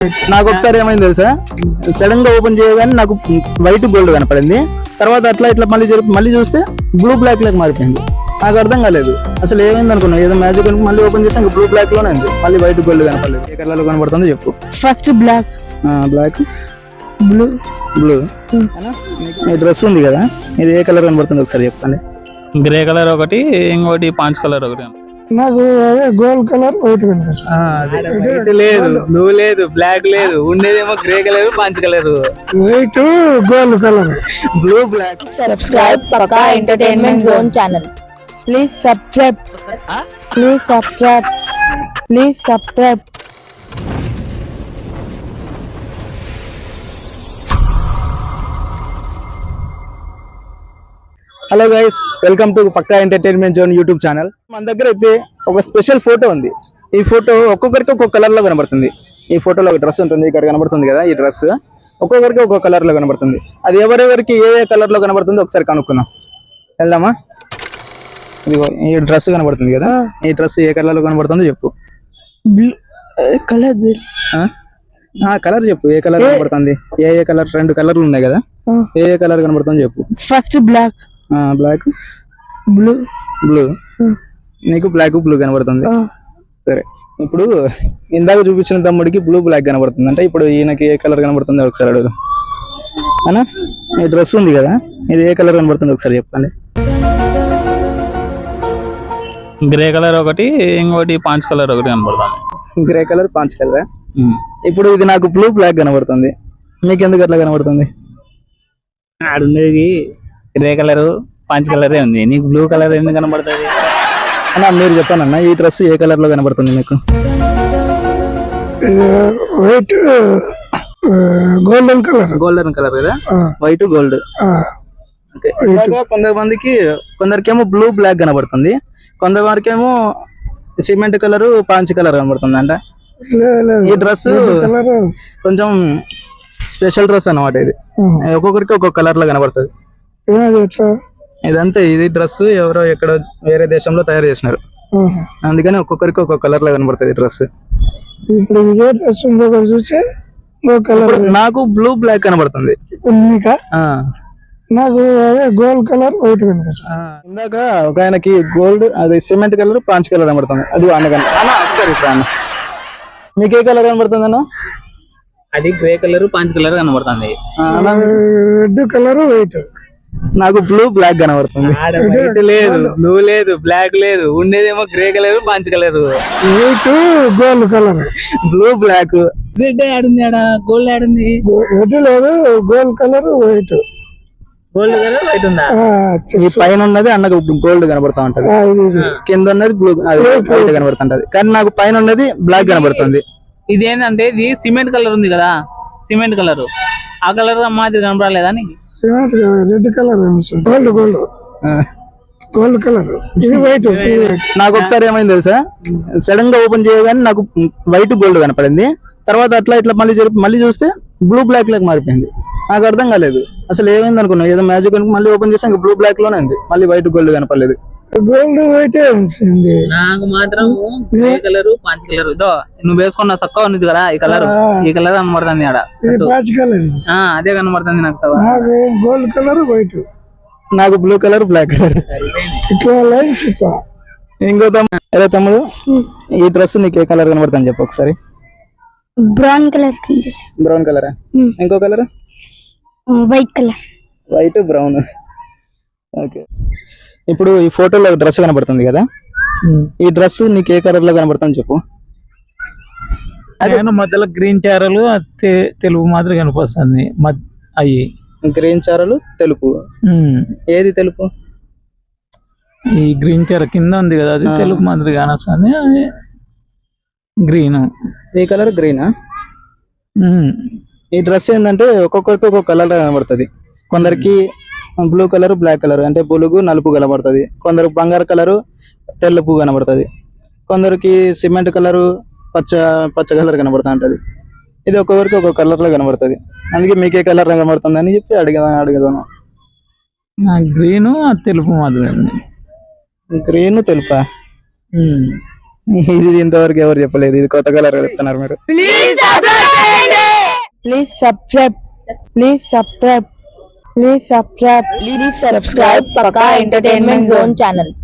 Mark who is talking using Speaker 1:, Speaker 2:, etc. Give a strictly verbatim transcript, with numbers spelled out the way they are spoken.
Speaker 1: నాకు ఒకసారి ఏమైంది తెలుసా, సడన్ గా ఓపెన్ చేయగానే నాకు వైట్ గోల్డ్ కనపడింది. తర్వాత అట్లా ఇట్లా మళ్ళీ జరిపి మళ్ళీ చూస్తే బ్లూ బ్లాక్ లాగా మారిపోయింది. నాకు అర్థం కాలేదు అసలు ఏమైంది అనుకున్నా, ఏదో మ్యాజిక్ అనుకుని మళ్ళీ ఓపెన్ చేస్తే బ్లూ బ్లాక్ లోనే ఉంది, మళ్ళీ వైట్ గోల్డ్ కనపడలేదు. ఏ కలర్ లో కనపడుతుందో చెప్పు.
Speaker 2: First black,
Speaker 1: black,
Speaker 2: blue,
Speaker 1: blue. ఈ డ్రెస్ ఉంది కదా, ఇది ఏ కలర్ కనబడుతుంది ఒకసారి చెప్పండి.
Speaker 3: గ్రే కలర్ ఒకటి, ఇంకోటి పాంచ్ కలర్ ఒకటి.
Speaker 2: నాకు గోల్డ్ కలర్ వైట్ కనిపిస్తుంది.
Speaker 3: లేదు, బ్లూ లేదు, బ్లాక్ లేదు, ఉండేదేమో గ్రే కలర్, పాంచ్ colour,
Speaker 2: white, gold colour,
Speaker 1: blue, black.
Speaker 4: Subscribe Pakka Entertainment Zone channel.
Speaker 2: Please subscribe, please subscribe, please subscribe.
Speaker 1: Hello guys, welcome to Pakka entertainment zone YouTube channel. మన దగ్గర అయితే ఒక స్పెషల్ ఫోటో ఉంది. ఈ ఫోటో ఒక్కొక్కరికి ఒక్కొక్క కలర్ లో కనబడుతుంది. ఈ ఫోటోలో ఒక డ్రెస్ ఉంటుంది, ఇక్కడ కనబడుతుంది కదా, ఈ డ్రెస్ ఒక్కొక్కరికి ఒక్కొక్క కలర్ లో కనబడుతుంది. అది ఎవరెవరికి ఏ ఏ కలర్ లో కనబడుతుందో ఒకసారి కనుక్కున్నాం. వెళ్దామా? ఇదిగో ఈ డ్రెస్ కనబడుతుంది కదా, ఈ డ్రెస్ ఏ కలర్ లో కనబడుతుందో చెప్పు.
Speaker 2: బ్లూ కలర్,
Speaker 1: కలర్ చెప్పు, ఏ కలర్ కనబడుతుంది? ఏ ఏ కలర్? రెండు కలర్లు ఉన్నాయి కదా, ఏ ఏ కలర్ కనబడుతుందో చెప్పు.
Speaker 2: First black,
Speaker 1: black,
Speaker 2: blue,
Speaker 1: blue. నీకు బ్లాక్, బ్లూ కనబడుతుంది. సరే, ఇప్పుడు ఇందాక చూపించిన తమ్ముడికి బ్లూ బ్లాక్ కనబడుతుంది అంటే, ఇప్పుడు ఈయనకి ఏ కలర్ కనబడుతుందో ఒకసారి అడుగుదాం. అనా, ఈ డ్రెస్ ఉంది కదా, ఇది ఏ కలర్ కనబడుతుంది ఒకసారి చెప్పండి.
Speaker 3: గ్రే కలర్ ఒకటి, ఇంకోటి పాంచ్ కలర్ ఒకటి కనబడుతుంది.
Speaker 1: గ్రే కలర్, పాంచ్ కలర్. ఇప్పుడు ఇది నాకు బ్లూ బ్లాక్ కనబడుతుంది, మీకు ఎందుకు అట్లా కనబడుతుంది?
Speaker 3: ఆడుండేది గ్రే కలర్, పాంచ్ కలరే ఉంది, నీకు బ్లూ కలర్ ఎందుకు కనబడుతుంది?
Speaker 1: అన్న మీరు చెప్పాను అన్న, ఈ డ్రెస్ ఏ కలర్ లో కనబడుతుంది మీకు?
Speaker 2: White, golden colour.
Speaker 1: Golden colour కదా, వైట్ గోల్డ్. కొంతమందికి కొందరికేమో బ్లూ బ్లాక్ కనబడుతుంది, కొంతవరకేమో సిమెంట్ కలర్, పాంచ్ కలర్ కనబడుతుంది. అంట ఈ డ్రెస్ కొంచెం స్పెషల్ డ్రెస్ అన్నమాట. ఇది ఒక్కొక్కరికి ఒక్కొక్క కలర్ లో కనబడుతుంది. ఇదంతే, ఇది డ్రెస్ ఎవరో ఎక్కడో వేరే దేశంలో తయారు చేసినారు, అందుకని ఒక్కొక్కరికి ఒక్కొక్క కలర్ లో కనబడుతుంది డ్రెస్. నాకు బ్లూ బ్లాక్ కనబడుతుంది.
Speaker 2: నాకు గోల్డ్ కలర్ వైట్ కనిపిస్తుంది.
Speaker 1: ఇందాక ఒక ఆయనకి గోల్డ్, అది సిమెంట్ కలర్, పాంచ్ కలర్ కనబడుతుంది. అది అన్నగానే సరే అన్న, మీకు ఏ కలర్ కనబడుతుంది అన్న?
Speaker 3: అది గ్రే కలర్, పాంచ్ కలర్ కనబడుతుంది.
Speaker 2: Red colour, white.
Speaker 1: నాకు బ్లూ బ్లాక్ కనబడుతుంది.
Speaker 3: లేదు, బ్లూ లేదు, బ్లాక్ లేదు, ఉండేదేమో గ్రే కలర్, పాంచ్ colour,
Speaker 2: white, gold colour.
Speaker 1: Blue black.
Speaker 3: Red ఆడుంది, ఆడ గోల్డ్ ఆడుంది.
Speaker 2: రెడ్ లేదు, gold colour, white.
Speaker 3: Gold colour, white ఉందా?
Speaker 1: ఈ పైన ఉన్నది అన్నకు గోల్డ్ కనబడతా ఉంటది, కింద ఉన్నది బ్లూ వైట్ కనబడుతుంటది, కానీ నాకు పైన ఉన్నది బ్లాక్ కనబడుతుంది.
Speaker 3: ఇది ఏంటంటే, ఇది సిమెంట్ కలర్ ఉంది కదా, సిమెంట్ కలర్, ఆ కలర్ మాదిరి కనపడలేదా నీకు?
Speaker 2: Red colour, gold, gold, gold colour. ఇది వైట్.
Speaker 1: నాకు ఒకసారి ఏమైంది తెలుసా, సడన్ గా ఓపెన్ చేయగానే నాకు వైట్ గోల్డ్ కనపడింది. తర్వాత అట్లా ఇట్లా మళ్ళీ జరిపి మళ్ళీ చూస్తే బ్లూ బ్లాక్ లాగా మారిపోయింది. నాకు అర్థం కాలేదు అసలు ఏమైంది అనుకున్నా, ఏదో మ్యాజిక్ అనుకుని మళ్ళీ ఓపెన్ చేస్తే బ్లూ బ్లాక్ లోనే ఉంది, మళ్ళీ వైట్ గోల్డ్ కనపడలేదు.
Speaker 2: గోల్డ్ వైట్ వచ్చింది.
Speaker 3: నాకు మాత్రం గ్రే కలర్, పాంచ్ కలర్. ఇదో నువ్వు వేసుకున్న చక్కగా ఉంది కదా, ఈ కలర్, ఈ కలర్ కనబడుతుంది ఆడ. అదే కనబడుతుంది నాకు.
Speaker 2: నాకు గోల్డ్ కలర్, వైట్.
Speaker 1: నాకు బ్లూ కలర్, బ్లాక్ కలర్. ఇంకో తమ్ముడు, తమ్ముడు ఈ డ్రెస్ నీకు ఏ కలర్ కనబడుతుంది చెప్పు ఒకసారి.
Speaker 4: Brown colour,
Speaker 1: brown colour. ఇంకో colour
Speaker 4: white colour.
Speaker 1: White, brown. Okay, ఇప్పుడు ఈ ఫోటోలో డ్రెస్ కనబడుతుంది కదా, ఈ డ్రెస్ నీకు ఏ కలర్ లో కనబడుతుంది చెప్పు.
Speaker 3: నేను మధ్యలో గ్రీన్ చారలు, తెలుపు మాదిరి కనిపిస్తుంది. అయ్యి
Speaker 1: గ్రీన్ చారలు, తెలుపు. ఏది తెలుపు?
Speaker 3: ఈ గ్రీన్ చార కింద ఉంది కదా, అది తెలుపు మాదిరి కానొస్తుంది. అది గ్రీన్.
Speaker 1: ఈ కలర్ గ్రీనా? ఈ డ్రెస్ ఏంటంటే ఒక్కొక్కరికి ఒక్కొక్క కలర్ కనబడుతుంది. కొందరికి బ్లూ కలర్, బ్లాక్ కలర్ అంటే బులుగు, నలుపు కనబడుతుంది. కొందరు బంగారు కలరు, తెల్లపు కనబడుతుంది. కొందరికి సిమెంట్ కలరు, పచ్చ పచ్చ కలర్ కనబడుతూ ఉంటది. ఇది ఒక్కొక్కరికి ఒక్కొక్క కలర్ లో కనబడుతుంది. అందుకే మీకే కలర్ కనబడుతుంది అని చెప్పి అడిగా అడిగదాను.
Speaker 3: గ్రీన్, తెలుపు మాదిరి.
Speaker 1: గ్రీన్, తెలుపా? ఇది ఇంతవరకు ఎవరు చెప్పలేదు, ఇది కొత్త కలర్ చెప్తున్నారు మీరు.
Speaker 4: Please subscribe please subscribe please subscribe please subscribe Pakka entertainment zone channel.